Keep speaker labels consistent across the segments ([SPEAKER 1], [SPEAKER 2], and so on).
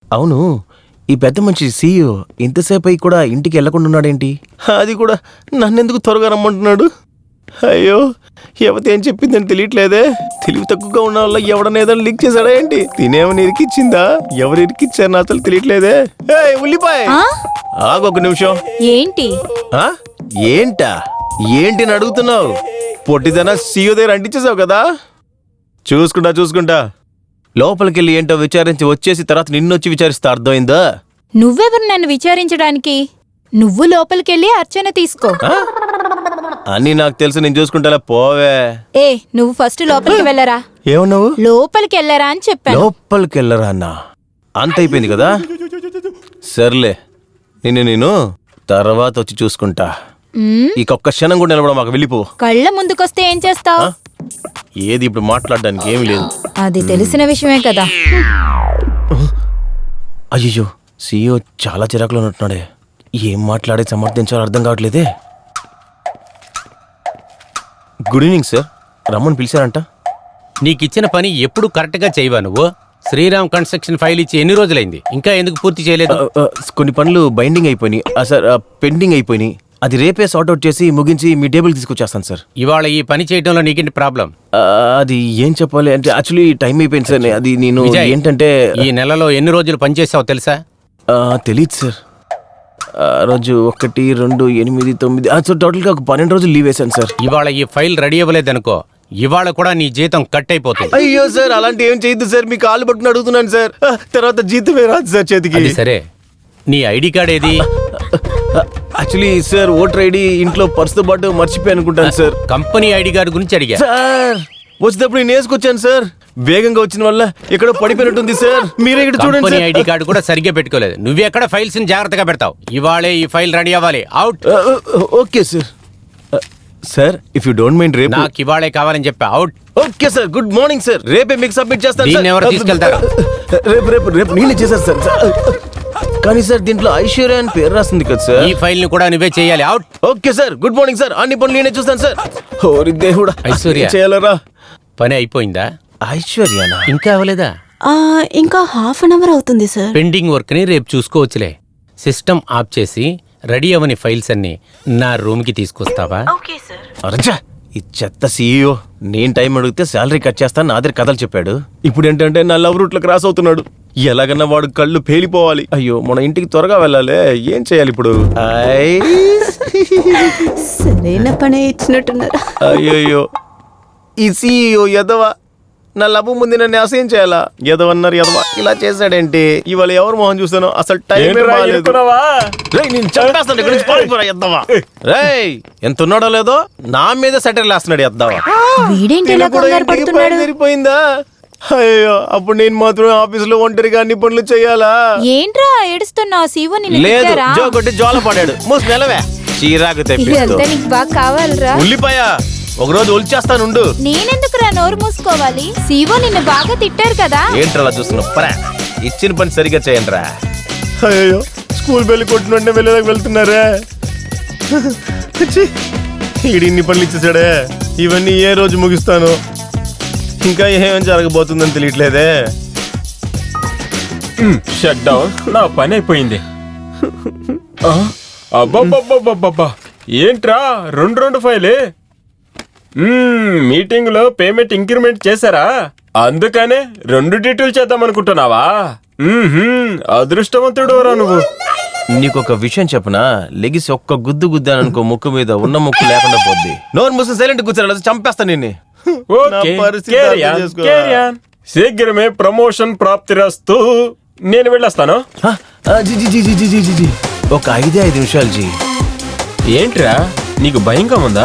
[SPEAKER 1] అవును, ఈ పెద్ద మనిషి సీఈఓ ఇంతసేపు అయి కూడా ఇంటికి వెళ్లకుండా ఉన్నాడేంటి? అది కూడా నన్నెందుకు త్వరగా రమ్మంటున్నాడు? అయ్యో, యువత ఏం చెప్పిందని తెలియట్లేదే. తెలివి తక్కువగా ఉన్న వల్ల ఎవడన్నా ఏదైనా లీక్ చేశాడా ఏంటి? తినేమని ఇరికిచ్చిందా? ఎవరు ఇరికిచ్చారు నా అసలు తెలియట్లేదే. ఉల్లిపాయ ఆగొక నిమిషం.
[SPEAKER 2] ఏంటి
[SPEAKER 1] ఏంటా ఏంటి అడుగుతున్నావు? పొట్టిదనా సీఈఓ దగ్గర అంటించేసావు కదా. చూసుకుంటా లోపలికెళ్ళి ఏంటో విచారించి వచ్చేసి తర్వాత నిన్నొచ్చి విచారిస్తా, అర్థమైందా?
[SPEAKER 2] నువ్వెవరు నన్ను విచారించడానికి? నువ్వు లోపలికెళ్ళి అర్చన తీసుకో.
[SPEAKER 1] అని నాకు తెలుసు, నేను చూసుకుంటా, పోవే.
[SPEAKER 2] నువ్వు ఫస్ట్ లోపలికి వెళ్ళరా.
[SPEAKER 1] ఏమన్నావు?
[SPEAKER 2] లోపలికి వెళ్ళరా అని చెప్పాను.
[SPEAKER 1] లోపలికి వెళ్ళరా అన్నా? అంత అయిపోయింది కదా. సర్లే, నేను తర్వాత వచ్చి చూసుకుంటా. ఈ ఒక్క క్షణం కూడా నిలబడ, మాకు వెళ్ళిపో.
[SPEAKER 2] కళ్ళ ముందుకొస్తే ఏం చేస్తావు?
[SPEAKER 1] ఏది ఇప్పుడు మాట్లాడడానికి ఏమీ లేదు.
[SPEAKER 2] అది తెలిసిన విషయమే కదా.
[SPEAKER 1] అయ్యో, సీఈఓ చాలా చిరాకులో ఉన్నట్టున్నాడే. ఏం మాట్లాడే సమర్థించాలో అర్థం కావట్లేదే. గుడ్ ఈవినింగ్ సార్, రమ్మని పిలిచారంట.
[SPEAKER 3] నీకిచ్చిన పని ఎప్పుడు కరెక్ట్గా చేయవా నువ్వు? శ్రీరామ్ కన్స్ట్రక్షన్ ఫైల్ ఇచ్చి ఎన్ని రోజులైంది, ఇంకా ఎందుకు పూర్తి చేయలేదు?
[SPEAKER 1] కొన్ని పనులు బైండింగ్ అయిపోయినాయి సార్, పెండింగ్ అయిపోయినాయి. అది రేపే సార్ట్అవుట్ చేసి ముగించి మీ టేబుల్ తీసుకొచ్చేస్తాను సార్.
[SPEAKER 3] ఇవాళ ఈ పని చేయడంలో నీకేంటి ప్రాబ్లం?
[SPEAKER 1] అది ఏం చెప్పాలి అంటే యాక్చువల్లీ టైం అయిపోయింది సార్. అది నేను ఏంటంటే
[SPEAKER 3] ఈ నెలలో ఎన్ని రోజులు పనిచేసావు తెలుసా?
[SPEAKER 1] తెలీదు సార్. రోజు 1, 2, 8, 9 సో టోటల్గా ఒక 12 రోజులు లీవ్ వేశాను సార్.
[SPEAKER 3] ఇవాళ ఈ ఫైల్ రెడీ అవ్వలేదనుకో, ఇవాళ కూడా నీ జీతం కట్ అయిపోతుంది.
[SPEAKER 1] అయ్యో సార్, అలాంటి ఏం చేయొద్దు సార్. మీ కాళ్ళు పట్టుకుని అడుగుతున్నాను సార్. తర్వాత జీతమే రాదు సార్ చేతికి.
[SPEAKER 3] అది సరే, నీ ఐడి కార్డ్ ఏది?
[SPEAKER 1] యాక్చువల్లీ సార్, ఓటర్ ఐడి ఇంట్లో పర్సుతో పాటు మర్చిపోయి అనుకుంటాను సార్.
[SPEAKER 3] కంపెనీ ఐడి కార్డు గురించి అడిగా
[SPEAKER 1] సార్. వచ్చేటప్పుడు నేను వేసుకొచ్చాను సార్. వేగంగా వచ్చిన వల్ల ఎక్కడో పడిపోయినట్టుంది సార్. మీరే ఇక్కడ చూడండి.
[SPEAKER 3] కంపెనీ ఐడి కార్డు కూడా సరిగ్గా పెట్టుకోలేదు. నువ్వు ఎక్కడ ఫైల్స్ ని జాగ్రత్తగా పెడతావు. ఇవాళే ఈ ఫైల్ రెడీ అవ్వాలి. Out.
[SPEAKER 1] Okay sir. Sir, if you don't mind, రేపు
[SPEAKER 3] నాకు ఇవాళే కావాలని చెప్పా. Out.
[SPEAKER 1] Okay sir, good morning sir. రేపే మీకు సబ్మిట్ చేస్తాను.
[SPEAKER 3] దీన్ని ఎవరు తీసుకెళ్తారు?
[SPEAKER 1] రేపు నేనే చేశాను సార్. కానీ సార్, దీంట్లో ఐశ్వర్య అని పేరు రాస్తుంది కదా సార్.
[SPEAKER 3] ఈ ఫైల్ ని కూడా నువ్వే చేయాలి. Out.
[SPEAKER 1] Okay sir, good morning sir. అన్ని పనులు నేనే చూస్తాను సార్. ఓరి దేవుడా,
[SPEAKER 3] ఐశ్వర్య
[SPEAKER 1] చేయాలరా?
[SPEAKER 3] పని అయిపోయిందా?
[SPEAKER 1] ఐశ్వర్యనా?
[SPEAKER 3] ఇంకా అవ్వలేదా?
[SPEAKER 4] ఇంకా హాఫ్ అన్ అవర్ అవుతుంది సార్.
[SPEAKER 3] పెండింగ్ వర్క్ ని రేపు చూసుకోవచ్చులే. సిస్టమ్ ఆఫ్ చేసి రెడీ అవని ఫైల్స్ అన్ని నా రూమ్ కి తీసుకొస్తావా?
[SPEAKER 1] అరచా, ఈ చెత్త సీఈఓ నేను టైం అడిగితే శాలరీ కట్ చేస్తాను నా దగ్గర కథలు చెప్పాడు. ఇప్పుడు ఏంటంటే నా లవ్ రూట్ లో క్రాస్ అవుతున్నాడు. ఎలాగన్నా వాడు కళ్ళు పేలిపోవాలి. అయ్యో, మన ఇంటికి త్వరగా వెళ్ళాలి. ఏం చేయాలి ఇప్పుడు?
[SPEAKER 4] సరైన పని ఇచ్చినట్టున్నారు.
[SPEAKER 1] అయ్యో, ఈ సీఈఓ ఎదవా నా లవ్ ముందు నన్ను అసహ్యం చేయాలా? ఎదవన్నారు ఎదవా, ఇలా చేశాడేంటి? ఇవాళ ఎవరు మొహం చూస్తాను? అసలు టైం ఎంత ఉన్నాడో లేదో నా మీద సెటర్ వేస్తున్నాడు ఎద్దావా. సరిపోయిందా? అయ్యో, అప్పుడు నేను మాత్రం ఆఫీస్ లో ఒంటరిగా అన్ని పనులు చేయాలా?
[SPEAKER 2] ఏంట్రా ఏడుస్తున్నావు? సీవో
[SPEAKER 1] లేదు, జో కొట్టి జోల పడాడు. మూసి నెలవే చీరాకు
[SPEAKER 2] బాగా కావాలరా?
[SPEAKER 1] ఉల్లిపాయ ఒకరోజు ఒలిచేస్తానుండు.
[SPEAKER 2] నేనెందుకురా నోరు మూసుకోవాలి? సీవో నిన్ను బాగా తిట్టారు కదా.
[SPEAKER 1] ఏంట్రా చూస్తున్నావు? ఇచ్చిన పని సరిగా చేయండి రా. అయ్యో, స్కూల్ బెల్లి కొట్టినంటే వెళ్ళేదాకా వెళ్తున్నారా? ఈడు ఇన్ని పనులు ఇచ్చేసాడే. ఇవన్నీ ఏ రోజు ముగిస్తాను? ఇంకా ఏమేం జరగబోతుందని తెలియట్లేదే.
[SPEAKER 5] Shut down. నా పని అయిపోయింది. అబ్బబ్బబ్బబ్బబ్బా, ఏంట్రా 2 ఫైలే? మీటింగ్ లో పేమెంట్ ఇంక్రిమెంట్ చేశారా? అందుకనే 2 డీటెయిల్ చేద్దాం అనుకుంటున్నావా? అదృష్టవంతుడు రా నువ్వు.
[SPEAKER 1] నీకొక విషయం చెప్పనా? లెగిసి ఒక్క గుద్దు గుద్దాననుకో, ముక్కు మీద ఉన్న ముక్కు లేకుండా పోద్ది. నోరు మూసి సైలెంట్ కూర్చోరా, చంపేస్తా నిన్ను.
[SPEAKER 5] శీఘ్రమే ప్రమోషన్ ప్రాప్తిరస్తు. నేను వెళ్ళొస్తాను.
[SPEAKER 1] ఒక 5 నిమిషాలు జీ.
[SPEAKER 5] ఏంట్రా, నీకు భయంగా ఉందా?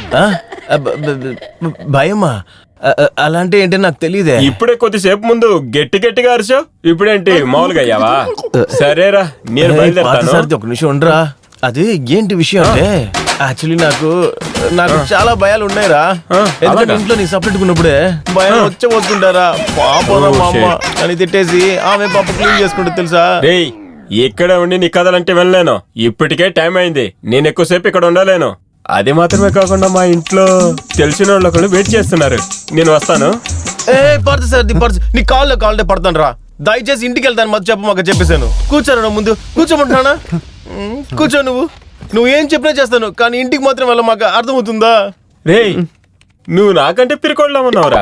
[SPEAKER 1] భయమా? అలాంటి ఏంటి నాకు తెలియదే.
[SPEAKER 5] ఇప్పుడే కొద్దిసేపు ముందు గట్టి గట్టిగా అరిచావు, ఇప్పుడేంటి మామూలుగా అయ్యావా? సరేరా, నేను బయలుదేరుతాను.
[SPEAKER 1] ఒక నిమిషం ఉండరా. అది ఏంటి విషయం అంటే, యాక్చువల్లీ నాకు చాలా భయాలు ఉన్నాయిరా. ఎందుకంటే ఇంట్లో నీ సపరేట్ ఉన్నప్పుడే భయం వచ్చేపోతుంటారా. పాపరా మా అమ్మ అని తిట్టేసి ఆమె పాప క్లీన్ చేసుకుంటే తెలుసా.
[SPEAKER 5] రేయ్, ఇక్కడ ఉండి నీ కథలంటే వెళ్ళలేను. ఇప్పటికే టైం అయింది. నేను ఎక్కువసేపు ఇక్కడ ఉండలేను. అది మాత్రమే కాకుండా మా ఇంట్లో తెలిసిన వాళ్ళు వెయిట్ చేస్తున్నారు. నేను వస్తాను.
[SPEAKER 1] పడుతుంది సార్, నీ కాళ్ళే పడతాను రా. దయచేసి ఇంటికి వెళ్తాను మధ్య చెప్పమాక చెప్పేశాను. కూర్చోరా నువ్వు ముందు కూర్చోమంటున్నానా? కూర్చో నువ్వు ఏం చెప్పినా చేస్తాను, కానీ ఇంటికి మాత్రం వెళ్ళమాక, అర్థమవుతుందా?
[SPEAKER 5] రేయ్ నువ్వు నాకంటే పిరికోళ్ళ ఉన్నావురా.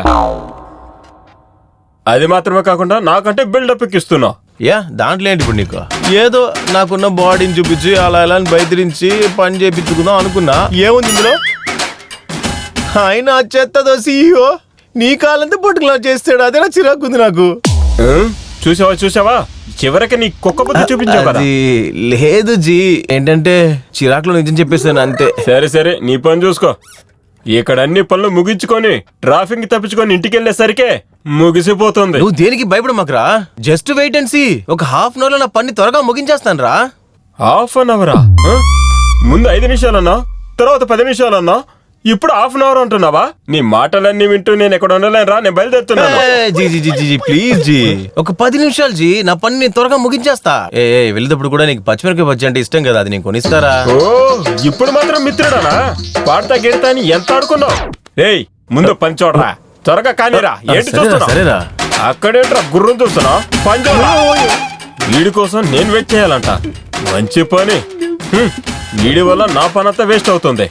[SPEAKER 5] అది మాత్రమే కాకుండా నాకంటే బిల్డప్ ఎక్కిస్తున్నావు.
[SPEAKER 1] యా దాంట్లో ఏంటి ఇప్పుడు నీకు? ఏదో నాకున్న బాడీని చూపించి అలా ఇలా అని బయటిరించి పని చేయించుకుందాం అనుకున్నా. ఏముంది ఇందులో? ఆయన చెత్తదో సీఈఓ నీ కాలంతా పట్టుకులా చేస్తాడు. అదే నా చిరాకుంది నాకు.
[SPEAKER 5] చూసావా చివరికి నీ కుక్క బుద్ధి చూపించావు కదా.
[SPEAKER 1] అది లేదు జీ, ఏంటంటే చిరాకులో నిజం చెప్పేస్తాను అంతే.
[SPEAKER 5] సరే నీ పని చూసుకో. ఇక్కడ అన్ని పనులు ముగించుకొని ట్రాఫిక్ తప్పించుకొని ఇంటికి వెళ్ళేసరికే ముగిసిపోతుంది.
[SPEAKER 1] నువ్వు దేనికి భయపడమాకరా, జస్ట్ వెయిట్ అండ్ సీ. ఒక హాఫ్ అన్ అవర్ లో నా పని త్వరగా ముగించేస్తాను రా.
[SPEAKER 5] హాఫ్ అన్ అవరా? ముందు 5 నిమిషాలన్నా, తర్వాత 10 నిమిషాలన్నా, ఇప్పుడు హాఫ్ అన్ అవర్ అంటున్నావా? నీ మాటలన్నీ వింటూ నేను ఎక్కడ ఉండలేను రా, నేను బయలుదేరుతున్నాను.
[SPEAKER 1] జీ జీ జీ జీ ప్లీజ్ జీ, ఒక 10 నిమిషాలు జీ, నా పని నేను త్వరగా ముగించేస్తా. వెళ్ళేటప్పుడు కూడా నీకు పచ్చిమిరకాయ బజ్జీ అంటే ఇష్టం కదా, అది నేను కొనిస్తారా?
[SPEAKER 5] ఓ ఇప్పుడు మాత్రం మిత్రుడానా? పాడతా గిడతా అని ఎంత ఆడుకున్నావు? ఏయ్ ముందు పని చూడరా, త్వరగా కానీరా. ఏంటి చూస్తున్నా?
[SPEAKER 1] సరేరా.
[SPEAKER 5] అక్కడేంట్రా గుర్రం చూస్తున్నా? పని చూడరా. వీడి కోసం నేను వెయిట్ చేయాలంట. మంచి పని. వీడి వల్ల నా పని అంతా వేస్ట్ అవుతుంది.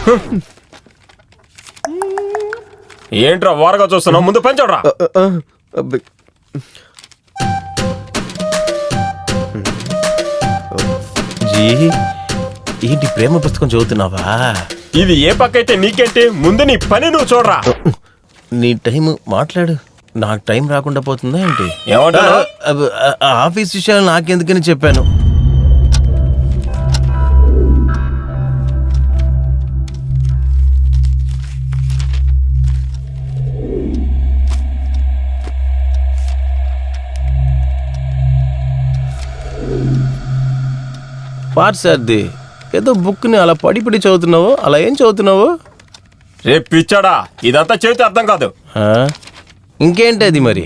[SPEAKER 5] ఏంట్రా వారగా చూస్తున్నావు? ముందు పని చూడరా.
[SPEAKER 1] జీ ఏంటి ప్రేమ పుస్తకం చదువుతున్నావా?
[SPEAKER 5] ఇది ఏ పక్క అయితే నీకేంటి, ముందు నీ పని నువ్వు చూడరా.
[SPEAKER 1] నీ టైం మాట్లాడు, నాకు టైం రాకుండా పోతుందా ఏంటి?
[SPEAKER 5] ఏమంటావు?
[SPEAKER 1] ఆఫీస్ విషయాలు నాకెందుకని చెప్పాను. పార్సార్ది ఏదో బుక్ని అలా పడి చదువుతున్నావు, అలా ఏం చదువుతున్నావు?
[SPEAKER 5] రేపు పిచ్చాడా, ఇదంతా చెబితే అర్థం కాదు.
[SPEAKER 1] ఇంకేంటి అది మరి?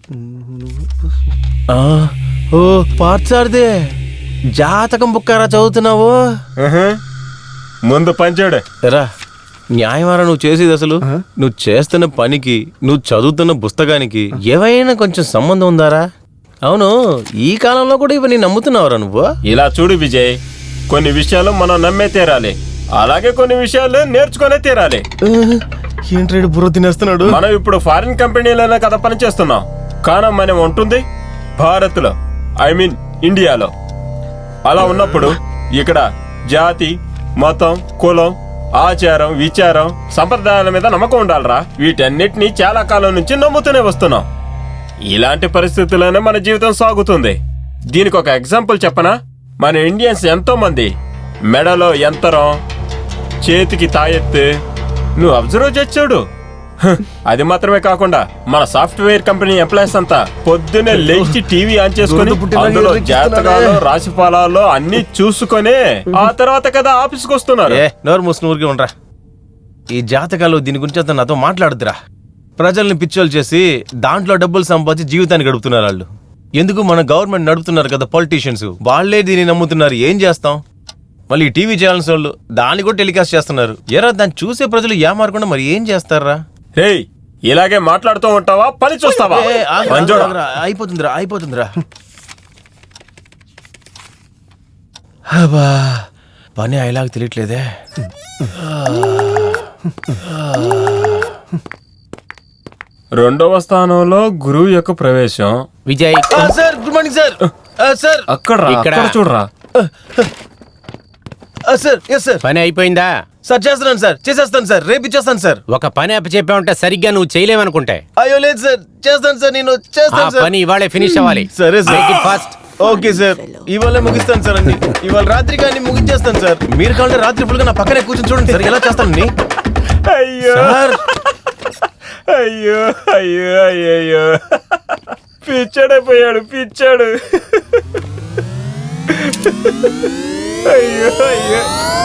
[SPEAKER 1] ఓ పార్సార్దే జాతకం బుక్కారా చదువుతున్నావు?
[SPEAKER 5] ముందు పని చూడు.
[SPEAKER 1] రా, న్యాయమారా నువ్వు చేసేది? అసలు నువ్వు చేస్తున్న పనికి, నువ్వు చదువుతున్న పుస్తకానికి ఏవైనా కొంచెం సంబంధం ఉందారా? అవును, ఈ కాలంలో కూడా ఇవన్నీ నమ్ముతున్నావురా నువ్వు?
[SPEAKER 5] ఇలా చూడు విజయ్, కొన్ని విషయాలు మనం నమ్మే తీరాలి, అలాగే కొన్ని విషయాలు నేర్చుకునే తీరాలి.
[SPEAKER 1] ఏంట్రేడు బుర్ర తినేస్తున్నాడు?
[SPEAKER 5] మనం ఇప్పుడు ఫారిన్ కంపెనీలోనే కదా పని చేస్తున్నాం, కానీ మనం ఉంటుంది భారత్ లో, ఐ మీన్ ఇండియాలో. అలా ఉన్నప్పుడు ఇక్కడ జాతి, మతం, కులం, ఆచారం, విచారం, సంప్రదాయాల మీద నమ్మకం ఉండాలరా. వీటన్నిటినీ చాలా కాలం నుంచి నమ్ముతూనే వస్తున్నాం. ఇలాంటి పరిస్థితుల్లోనే మన జీవితం సాగుతుంది. దీనికి ఒక ఎగ్జాంపుల్ చెప్పనా? మన ఇండియన్స్ ఎంతో మంది మెడలో యంత్రం, చేతికి తాయెత్తు, నువ్వు అబ్జర్వ్ చేసాడు. అది మాత్రమే కాకుండా మన సాఫ్ట్వేర్ కంపెనీ ఎంప్లాయీస్ అంతా పొద్దున్నే లేచి టీవీ ఆన్ చేసుకుని అందులో జాతకాలు, రాశి ఫలాలు అన్ని చూసుకొని ఆ తర్వాత కదా ఆఫీస్కి వస్తున్నారు.
[SPEAKER 1] నోరు మూసుకుని ఊరికే ఉండరా. ఈ జాతకాలు దీని గురించి అంతా నాతో మాట్లాడుతురా. ప్రజల్ని పిచ్చోలు చేసి దాంట్లో డబ్బులు సంపాదించి జీవితాన్ని గడుపుతున్నారు వాళ్ళు. ఎందుకు? మన గవర్నమెంట్ నడుపుతున్నారు కదా పొలిటీషియన్స్, వాళ్ళే దీన్ని నమ్ముతున్నారు. ఏం చేస్తాం? మళ్ళీ టీవీ ఛానల్స్ వాళ్ళు దాన్ని కూడా టెలికాస్ట్ చేస్తున్నారు. ఎరా దాన్ని చూసే ప్రజలు ఏమారకుండా మరి ఏం చేస్తారా?
[SPEAKER 5] రేయ్ ఇలాగే మాట్లాడుతూ ఉంటావా, పని చూస్తావా?
[SPEAKER 1] అయిపోతుందిరా. పని అయ్యేలాగా తెలియట్లేదే.
[SPEAKER 5] రెండవ స్థానంలో గురువు యొక్క ప్రవేశం.
[SPEAKER 3] Vijay
[SPEAKER 1] sir, good morning sir. Sir
[SPEAKER 5] ఇక్కడ చూడరా.
[SPEAKER 1] Sir, yes sir.
[SPEAKER 3] పని అయిపోయిందా?
[SPEAKER 1] సార్ చేస్తున్నాను సార్, చేసేస్తాను సార్, రేపు ఇచ్చేస్తాను సార్.
[SPEAKER 3] ఒక పని అప్పచెప్పావంటే సరిగ్గా నువ్వు చేయలేవనుకుంటే.
[SPEAKER 1] అయ్యో లేదు సార్, చేస్తాను సార్, నేను
[SPEAKER 3] ఆ
[SPEAKER 1] చేస్తాను సార్.
[SPEAKER 3] పని ఇవాళే ఫినిష్ అవ్వాలి.
[SPEAKER 1] సరే sir.
[SPEAKER 3] Make it fast.
[SPEAKER 1] Okay sir, ఇవాళ ముగిస్తాను సార్ అన్ని. ఇవాళ రాత్రి కానీ ముగించేస్తాను సార్. మీరు కావాలంటే రాత్రి ఫుల్గా నా పక్కనే కూర్చొని చూడండి సార్ ఎలా చేస్తానని.
[SPEAKER 5] అయ్యో
[SPEAKER 1] సార్
[SPEAKER 5] అయ్యో అయ్యో అయ్యో పిచ్చాడైపోయాడు, పిచ్చాడు. అయ్యో అయ్యో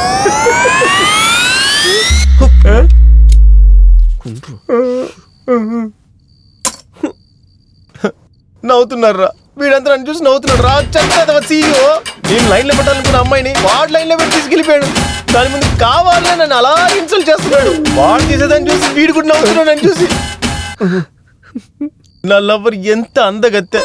[SPEAKER 1] నవ్వుతున్నారా? వీడంతా నన్ను చూసి నవ్వుతున్నాడు రా. చెత్త సీఈఓ. నేను లైన్లో పెట్టాలనుకున్న అమ్మాయిని వాడు లైన్లో పెట్టి తీసుకెళ్ళిపోయాడు. దాని ముందు కావాలనే నన్ను అలా ఇన్సల్ట్ చేస్తున్నాడు. వాడు చేసేదాన్ని చూసి వీడు కూడా నవ్వుతున్నాడు నన్ను చూసి. నా లవర్ ఎంత అందగత్తె.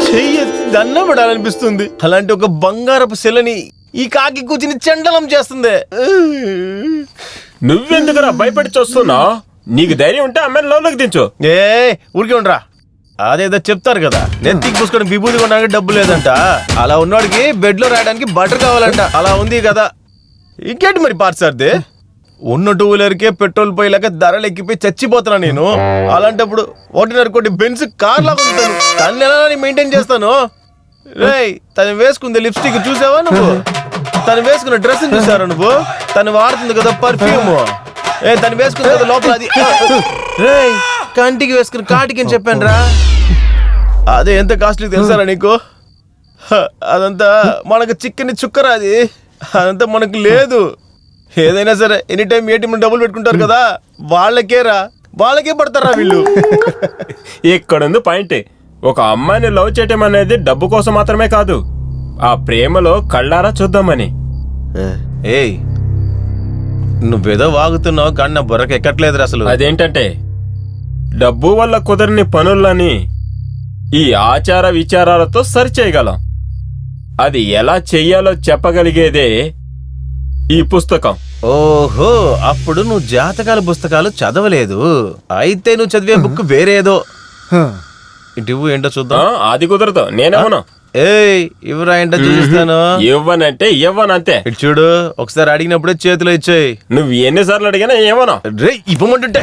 [SPEAKER 1] చెయ్యి దండం పడాలనిపిస్తుంది. అలాంటి ఒక బంగారపు శిలని ఈ కాకి కూర్చుని చండలం చేస్తుంది.
[SPEAKER 5] నువ్వెందుకురా భయపడి చూస్తున్నావు? నీకు ధైర్యం ఉంటే అమ్మాయిని లోపలికి దించు.
[SPEAKER 1] ఏ ఊరికే ఉండరా, అదేదో చెప్తారు కదా, నెత్తికి పూసుకొని విభూతి కొనడానికి డబ్బు లేదంట, అలా ఉన్నవాడికి బెడ్ లో రాయడానికి బటర్ కావాలంట. అలా ఉంది కదా. ఇంకేంటి మరి పార్సార్ది, ఉన్న టూ వీలర్కే పెట్రోల్ పోయేలాగా ధరలు ఎక్కిపోయి చచ్చిపోతున్నా నేను. అలాంటప్పుడు 1.5 బెంజ్ కార్ లాగా ఉంటాను. తను ఎలా మెయింటైన్ చేస్తాను? రేయ్, తను వేసుకుంది లిప్స్టిక్ చూసావా నువ్వు? తను వేసుకున్న డ్రెస్ చూసారా నువ్వు? తను వాడుతుంది కదా పర్ఫ్యూమ్. తను వేసుకుంది కదా లోపల అది. రేయ్, కంటికి వేసుకుని కాటికి అని చెప్పాను రా. అదే ఎంత కాస్ట్లీ తెలుసారా నీకు? అదంతా మనకు చిక్కని చుక్కరా, అది అదంతా మనకు లేదు. ఏదైనా సరే ఎనీ టైం ఏటీఎం డబ్బులు పెట్టుకుంటారు కదా, వాళ్ళకే పడతారా వీళ్ళు.
[SPEAKER 5] ఇక్కడుంది పాయింట్. ఒక అమ్మాయిని లవ్ చేయటం అనేది డబ్బు కోసం మాత్రమే కాదు, ఆ ప్రేమలో కళ్ళారా చూద్దామని.
[SPEAKER 1] ఏయ్, నువ్వేదో వాగుతున్నావు కానీ నా బుర్రకు ఎక్కట్లేదు అసలు.
[SPEAKER 5] అదేంటంటే, డబ్బు వల్ల కుదరని పనులని ఈ ఆచార విచారాలతో సరిచేయగలం. అది ఎలా చెయ్యాలో చెప్పగలిగేదే ఈ పుస్తకం.
[SPEAKER 1] ఓహో, అప్పుడు నువ్వు జాతకాల పుస్తకాలు చదవలేదు. అయితే నువ్వు చదివే బుక్ వేరేదో. ఇటు ఏంటో చూద్దాం.
[SPEAKER 5] అది కుదరదు, నేనేమన్నా.
[SPEAKER 1] ఏయ్, ఇవ్వరా ఏంటో చూపిస్తాను.
[SPEAKER 5] ఇవ్వనంటే ఇవ్వనంతే.
[SPEAKER 1] ఇటు చూడు, ఒకసారి అడిగినప్పుడే చేతిలో ఇచ్చేయి.
[SPEAKER 5] నువ్వు ఎన్నిసార్లు అడిగినా ఏమన్నా.
[SPEAKER 1] రే, ఇవ్వమంటుంటే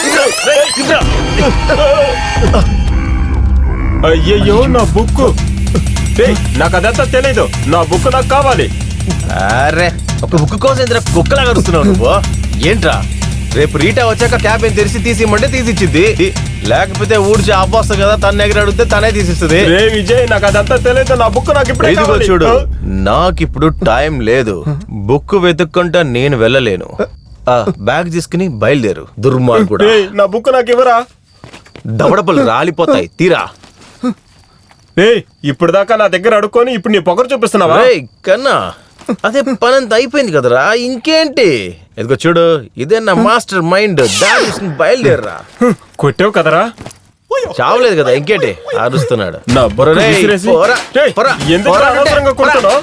[SPEAKER 5] అయ్యయ్యో, నా బుక్. నాకు అదంతా తెలీదు, నా బుక్ నాకు కావాలి.
[SPEAKER 1] అరే, ఒక బుక్ కోసం ఇంత కుక్కలాగా అరుస్తున్నావు నువ్వు. ఏంట్రా, రేపు రీటా వచ్చాక క్యాబిన్ తెరిచి తీసిమ్మంటే తీసిచ్చింది, లేకపోతే ఊడ్చి అవ్వస్తా కదా, తన దగ్గర అడిగితే తనే తీసిస్తుంది.
[SPEAKER 5] రే విజయ్, నాకు అదంతా తెలియదు, నా బుక్ నాకు ఇప్పుడు
[SPEAKER 1] ఇదిగో చూడు, నాకిప్పుడు టైం లేదు. బుక్ వెతుక్కుంటా నేను వెళ్ళలేను. బ్యాగ్ తీసుకుని బయలుదేరు. దుర్మార్గుడా,
[SPEAKER 5] నా బుక్ నాకు ఇవ్వరా.
[SPEAKER 1] దవడపలు రాలిపోతాయి, తీరా.
[SPEAKER 5] ఇప్పుడు దాకా నా దగ్గర అడుక్కొని ఇప్పుడు నీ పొగరు చూపిస్తున్నావా?
[SPEAKER 1] కన్నా, అదే పనంత అయిపోయింది కదరా, ఇంకేంటి? ఇదిగో చూడు, ఇదే నా మాస్టర్ మైండ్. దాని బయలుదేరరా.
[SPEAKER 5] కొట్టావు కదరా.
[SPEAKER 1] చావలేదు కదా, ఇంకేంటి అరుస్తున్నాడు.
[SPEAKER 5] నా బుర్ర విసిరేసి. ఎందుకు అనవసరంగా కొడుతున్నావ్?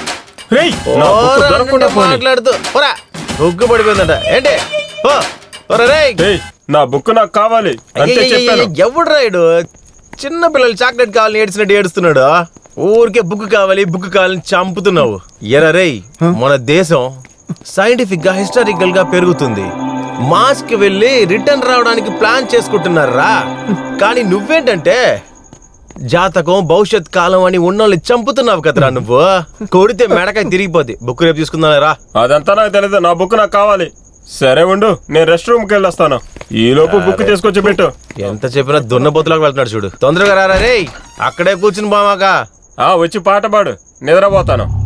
[SPEAKER 1] మాట్లాడుతూ ఉగ్గు పడిపోయిందంట ఏంటి?
[SPEAKER 5] నా బుక్ నాకు కావాలి అంతే చెప్పాను.
[SPEAKER 1] ఎవడు రాయుడు చిన్న పిల్లలు చాక్లెట్ కావాలని ఏడ్చినట్టు ఏడుస్తున్నాడు. ఊరికే బుక్ కావాలని చంపుతున్నావు. ఎరా రేయ్, మన దేశం సైంటిఫిక్ గా హిస్టారికల్ గా పెరుగుతుంది. మాస్ కి వెళ్ళి రిటర్న్ రావడానికి ప్లాన్ చేసుకుంటున్నారా. కానీ నువ్వేంటంటే జాతకం భవిష్యత్ కాలం అని ఉన్నోళ్ళని చంపుతున్నావు కదరా నువ్వు. కొడితే మెడకాయ తిరిగిపోద్ది. బుక్ రేపు తీసుకుందా రా.
[SPEAKER 5] అదంతా నాకు తెలియదు, నా బుక్ నాకు కావాలి. సరే ఉండు, నేను రెస్ట్ రూమ్ కి వెళ్ళొస్తాను. ఈ లోపు బుక్ తీసుకొచ్చి పెట్టు.
[SPEAKER 1] ఎంత చెప్పినా దున్నపోతులకు వెళ్తున్నాడు చూడు. తొందరగా రారా రేయ్, అక్కడే కూర్చుని బామాక.
[SPEAKER 5] వచ్చి పాట పాడు, నిద్రపోతాను.